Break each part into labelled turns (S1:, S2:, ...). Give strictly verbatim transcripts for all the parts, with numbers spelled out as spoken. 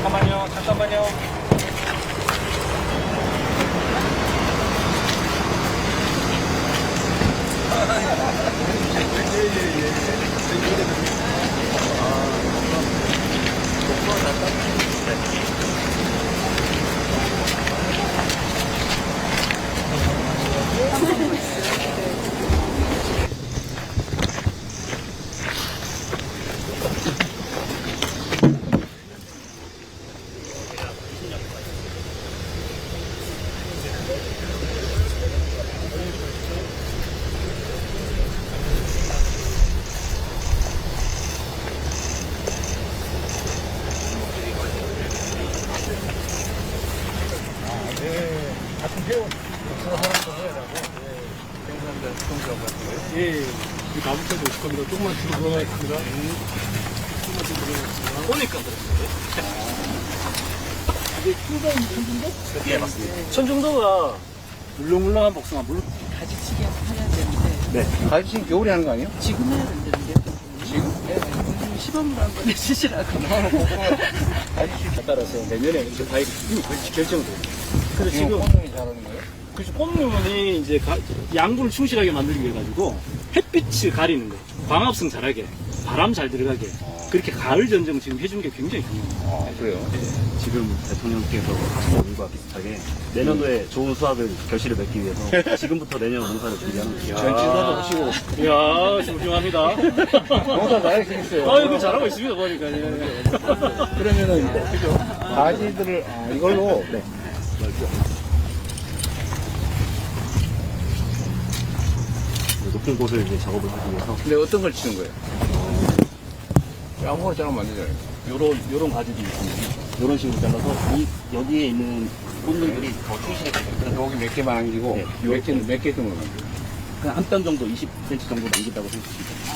S1: 잠깐만요, 잠깐만요. 예, 이 나무까지 오실 겁니다. 조금만 뒤로 돌아가겠습니다. 조금만 뒤로 돌아가겠습니다.
S2: 오니까 그렇습니다.
S3: 이게 킹덤 천중도?
S2: 예, 맞습니다. 천중도가 물렁물렁한 복숭아, 물,
S3: 가지치기 해야 되는데
S2: 네.
S4: 가지치기 겨울에 하는 거 아니에요?
S3: 지금 해야 된다는데
S4: 지금?
S3: 네, 요즘 시범으로 한번 해주시라고.
S2: 가지치기에 따라서 내년에 이제 과일이 이미 벌써 결정돼요. 그래서
S4: 지금
S2: 지금,
S4: 꽃눈이 자라는 거예요?
S2: 그래서 꽃눈이 이제 가- 양분을 충실하게 만들기 위해 가지고 햇빛을 가리는 거, 광합성 잘하게, 바람 잘 들어가게, 그렇게 가을 전쟁 지금 해준 게 굉장히 중요해요.
S4: 아, 그래요?
S5: 지금 대통령께서 하신 일과 비슷하게 내년도에 좋은 수확을 결실을 맺기 위해서 지금부터 내년 농사를 준비하는 거죠.
S4: 전지사도 오시고.
S2: 이야, 훌륭합니다.
S4: 농사 잘하시겠어요.
S2: 아, 이거 잘하고 있습니다, 보니까. 예.
S4: 그러면은, 그죠? 가지들을, 아, 이걸로.
S5: 네. 높은 곳을 이제 작업을 하기 위해서
S4: 근데 어떤 걸 치는 거예요? 아무거나 자르면 안 되잖아요.
S5: 요런 요런 가지도 있습니다. 요런 식으로 잘라서 이 여기에 있는 꽃들이 더 충실하게
S4: 여기 몇 개만 남기고,
S5: 네.
S4: 몇 개, 몇 개 정도 남기고.
S5: 그냥 한 뼘 정도 이십 센티미터 정도 남긴다고 생각하시면 됩니다.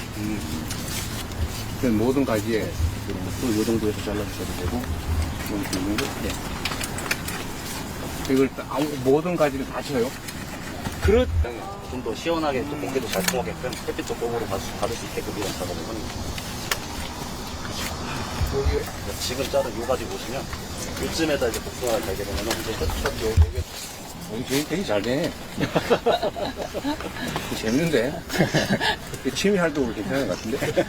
S4: 그 모든 가지에
S5: 요런 것도 요 정도에서 잘라주셔도 되고
S4: 이렇게 있는 거.
S5: 네.
S4: 이걸 다- 아무- 모든 가지를 다 쳐요?
S2: 그렇,
S5: 좀 더 시원하게 또 공기도 잘 통하게끔 햇빛도 공으로 받을, 수- 받을 수 있게끔 이런 작업을 하는 거죠.
S4: 여기,
S5: 지금 자른 요 가지 보시면 요쯤에다 이제 복숭아를 달게 되면 이제 끝, 끝, 요,
S4: 여기 되게, 되게 잘 되네. 재밌는데? 취미 활동으로 괜찮은 것 같은데?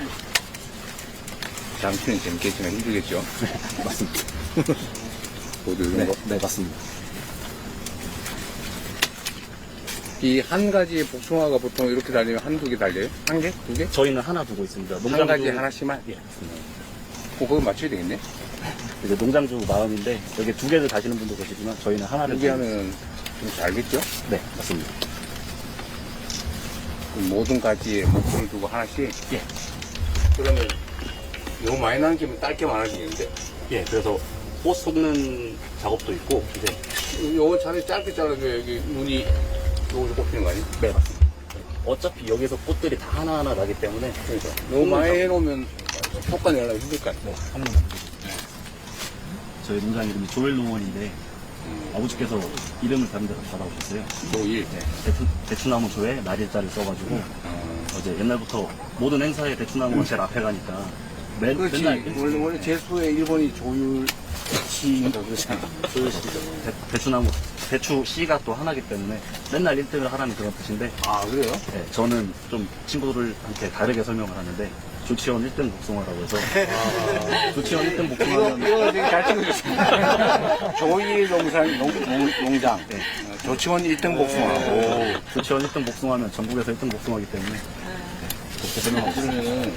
S4: 잠시는 재밌겠지만 힘들겠죠?
S5: 맞습니다.
S4: 모두 이런
S5: 네,
S4: 거.
S5: 네, 맞습니다.
S4: 이 한 가지의 복숭아가 보통 이렇게 달리면 한두 개 달려요? 한 개? 두 개?
S5: 저희는 하나 두고 있습니다.
S4: 한 가지 하나씩만?
S5: 예, 맞습니다.
S4: 어, 그거 맞춰야 되겠네?
S5: 이제 농장주 마음인데 여기 두 개를 다시는 분도 계시지만 저희는 하나를
S4: 두 개
S5: 두고
S4: 하면 좀 잘겠죠?
S5: 있습니다. 네, 맞습니다.
S4: 그럼 모든 가지에 목표를 두고 하나씩?
S5: 예.
S4: 그러면 너무 많이 남기면 딸게 많아지겠는데?
S5: 예, 그래서 꽃 속는 작업도 있고 이제
S4: 요건 차라리 짧게 잘라줘야 여기 눈이 요거 꼽히는 거 아니야?
S5: 네, 맞습니다. 어차피 여기서 꽃들이 다 하나하나 나기 때문에
S4: 그러니까. 너무 많이 해놓으면 효과 내려면 힘들 거 아니야?
S5: 네, 한 번만 저희 농장 이름이 조엘 농원인데 아버지께서 이름을 다른 데서 받아오셨어요.
S4: 조일.
S5: 네, 대추, 대추나무 조에 날일자를 써가지고
S4: 어.
S5: 어제 옛날부터 모든 행사에 대추나무가 제일 앞에 가니까 매,
S4: 그렇지.
S5: 맨날
S4: 원래, 원래 제수의 일본이 조율 시인가 그러잖아.
S5: 조율시죠. 대, 대추나무 대추 씨가 또 하나기 때문에 맨날 일 등을 하라는 그런 뜻인데
S4: 아, 그래요?
S5: 네, 저는 좀 친구들한테 다르게 설명을 하는데 조치원 일 등 복숭아라고 해서 조치원 일 등
S4: 이거,
S5: 복숭아는
S4: 이거 되게 잘 찍고 있습니다. 조일 농산, 농, 농, 농장.
S5: 네.
S4: 어, 조치원 일 등 복숭아. 오.
S5: 조치원 일 등 복숭아면 전국에서 일 등 복숭아이기 때문에 그렇게 설명하고 있습니다.
S4: 그러면은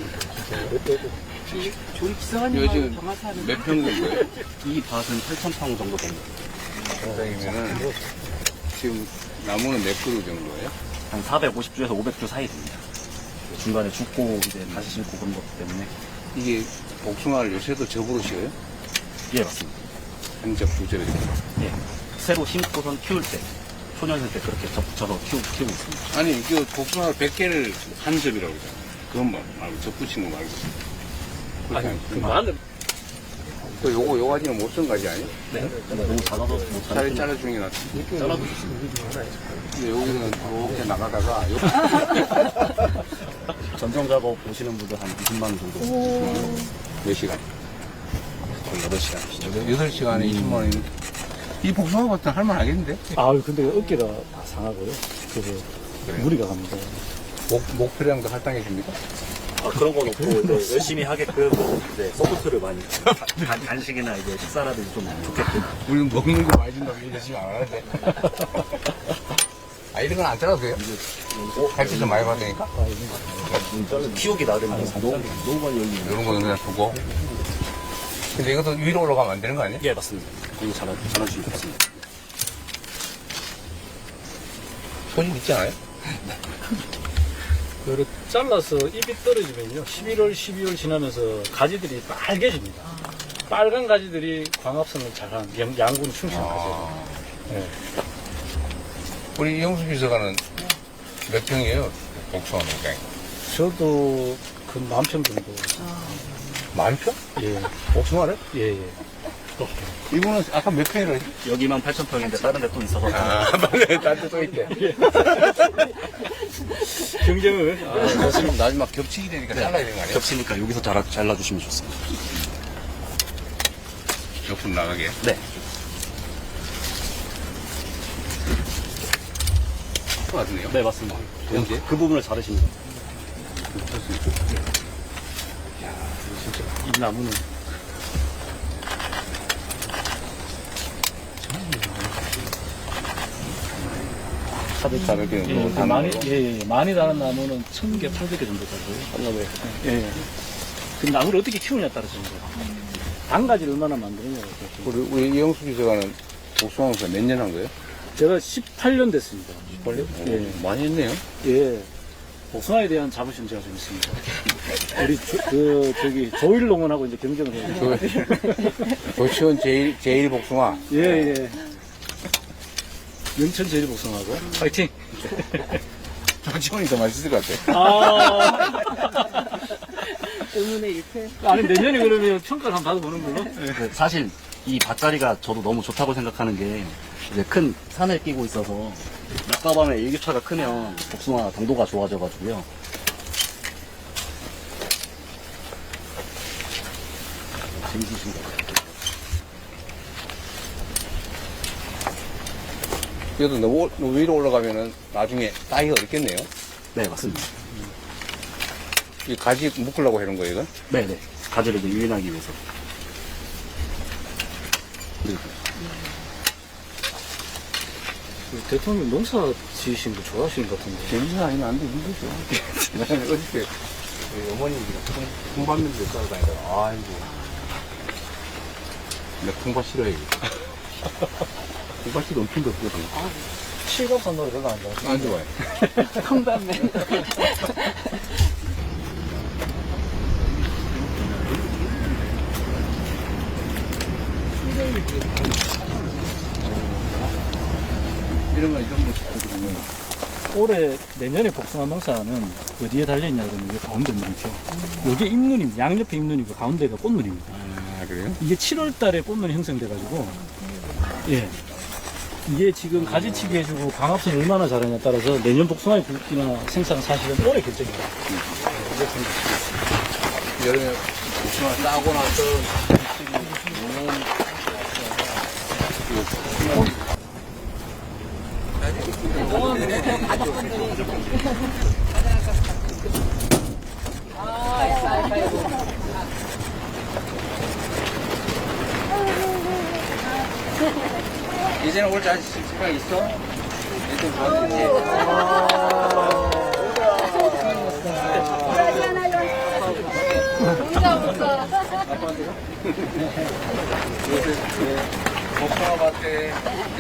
S3: 조리
S4: 이거
S3: 기사관님하고
S4: 지금
S3: 경화사는
S4: 몇 평 정도예요?
S5: 이 밭은 팔천 평 정도 됩니다.
S4: 농장이면은 지금 나무는 몇 그루 정도예요?
S5: 한 사백오십 주에서 오백 주 사이 됩니다. 중간에 죽고 이제 다시 심고 그런 것 때문에
S4: 이게 복숭아를 요새도 접으로 씌워요?
S5: 예 맞습니다.
S4: 한 접, 두 접 이렇게.
S5: 예 새로 심고선 키울 때 초년생 때 그렇게 접붙여서 키우, 키우고 있습니다.
S4: 아니, 그 복숭아 백 개를 한 접이라고 그러잖아. 그건 뭐, 말고 접붙인 거 말고.
S2: 아니, 그
S4: 만
S2: 마늘,
S4: 또 요거, 요 가지는 못 쓴 가지 아니야?
S5: 네. 너무 작아서 못
S4: 차라리
S5: 자르는
S4: 잘라주는 게 낫지.
S5: 잘라도 좋습니다.
S4: 근데 여기는 이렇게 나가다가, 요-
S5: 전정 작업 보시는 분들 한 이십만 원 정도.
S4: 몇 시간?
S5: 거의 여덟 시간.
S4: 여덟 시간에 이십만 원이면 이 복숭아 밭은 할만하겠는데?
S2: 아유, 근데 어깨가 다 상하고요. 그래서
S4: 그래요?
S2: 무리가 갑니다.
S4: 목, 목표량도 할당해 줍니까?
S5: 아, 그런 건 없고, 이제 열심히 하게끔, 이제 서포트를 많이, 간, 간식이나 이제 식사라든지 좀 좋게끔.
S4: 우리는 먹는 거 많이 준다고 열심히 안 하는데. 아, 이런 건 안 잘라도 돼요? 햇빛 좀 많이 받으니까?
S5: 키우기 나름이라서. 너무, 너무 많이 열리네.
S4: 이런 거는 그냥 두고. 근데 이것도 위로 올라가면 안 되는 거 아니야?
S5: 예, 맞습니다. 이거 잘하, 잘하시면 좋습니다.
S4: 손이 있지 않아요?
S2: 그리고 잘라서 잎이 떨어지면요. 십일월, 십이월 지나면서 가지들이 빨개집니다. 빨간 가지들이 광합성을 잘한 양- 양분 충실한 가지예요. 네.
S4: 우리 이영수 비서관은 몇 평이에요? 복숭아 농장이.
S2: 저도 그 만 평 정도.
S4: 만 평?
S2: 예,
S4: 복숭아를?
S2: 예, 예.
S4: 이분은 아까 몇 평이라 했지?
S5: 여기만 팔천 평인데 다른 데 또 있어서.
S4: 아, 맞네. 딴데 또 있대.
S2: 경쟁을.
S4: 아, 나중에, 나중에 막 겹치게 되니까 잘라야 되는 거 아니야?
S5: 겹치니까 여기서 잘라, 잘라주시면 좋습니다.
S4: 옆으로 나가게.
S5: 네.
S4: 맞네요.
S5: 네, 맞습니다.
S4: 언제?
S5: 그 부분을 자르십니다.
S2: 이 나무는.
S4: 차도 자르게.
S2: 예, 그 많이, 예, 예, 많이 다른 나무는 천 개, 팔백 개 정도 자고요. 예, 예. 그 나무를 어떻게 키우냐에 따라서 이제 단가지를 얼마나 만드느냐에 따라서.
S4: 우리, 우리 이영수 비서관은 복숭아 농사 몇 년 한 거예요?
S2: 제가 십팔 년 됐습니다.
S4: 십팔 년?
S2: 예.
S4: 많이 했네요.
S2: 예. 복숭아에 대한 자부심 제가 좀 있습니다. 우리 조, 그 저기 조일 농원하고 이제 경쟁을 해요.
S4: 조치원 제일, 제일 복숭아.
S2: 예, 예. 영천 제일 복숭아하고 파이팅.
S4: 조치원이 더 맛있을 것 같아.
S2: 아.
S3: 의문의 일패.
S2: 아니 내년에 그러면 평가를 한번 받아보는 걸로.
S5: 그 사실 이 밭자리가 저도 너무 좋다고 생각하는 게 이제 큰 산을 끼고 있어서 낮과 밤에 일교차가 크면 복숭아 당도가 좋아져가지고요. 재밌으신 것 같아요.
S4: 그래도 너무, 너무 위로 올라가면은 나중에 따기가 어렵겠네요.
S5: 네, 맞습니다.
S4: 이 가지 묶으려고 하는 거예요, 이건?
S5: 네네. 가지를 이제 유인하기 위해서. 그리고
S2: 그 대통령 농사 지으신 거 좋아하시는 것 같은데.
S4: 재밌는 아니면 안 돼, 힘들죠. 나는 어저께 우리 어머님이 통밭면도 싸고 다니다가, 아이고. 내가 통밭 싫어해. 통밭이 엄청 덥거든.
S2: 실감산 노래 별로 안 좋아.
S4: 안 좋아해.
S3: 콩밤맨.
S4: 이런 건 이 정도 싶거든요.
S2: 올해 내년에 복숭아 농사는 어디에 달려있냐 그러면 이 가운데 눈이죠. 이게 잎눈입니다. 양옆에 잎눈이고 가운데가 꽃눈입니다.
S4: 아, 그래요?
S2: 이게 칠월 달에 꽃눈이 형성돼가지고, 예. 이게 지금 가지치기 해주고 광합성을 얼마나 잘하냐에 따라서 내년 복숭아의 굵기나 생산 사실은 올해 결정입니다.
S4: 여름에 복숭아 따고 나서 이제는 올 자신 생각 있어? 일단 좋아지지. 복숭아 밭에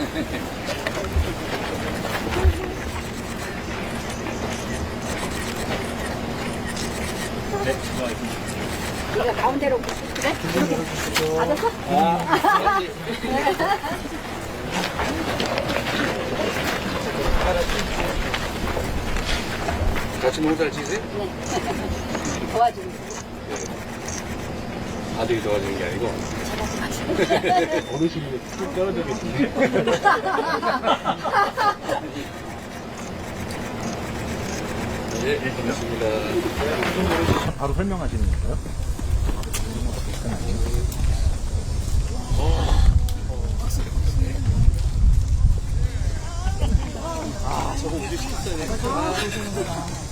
S6: 이거 가운데로 그래? 맞았어?
S4: 같이 농사를 지세요?
S6: 도와주고 있어.
S4: 아들이 도와주는 게 아니고
S1: 어르신이 뚝 떨어지겠네.
S4: 네, 고맙습니다.
S2: 바로 설명하시는 건가요?
S1: 저거 우리 시켰어야 돼.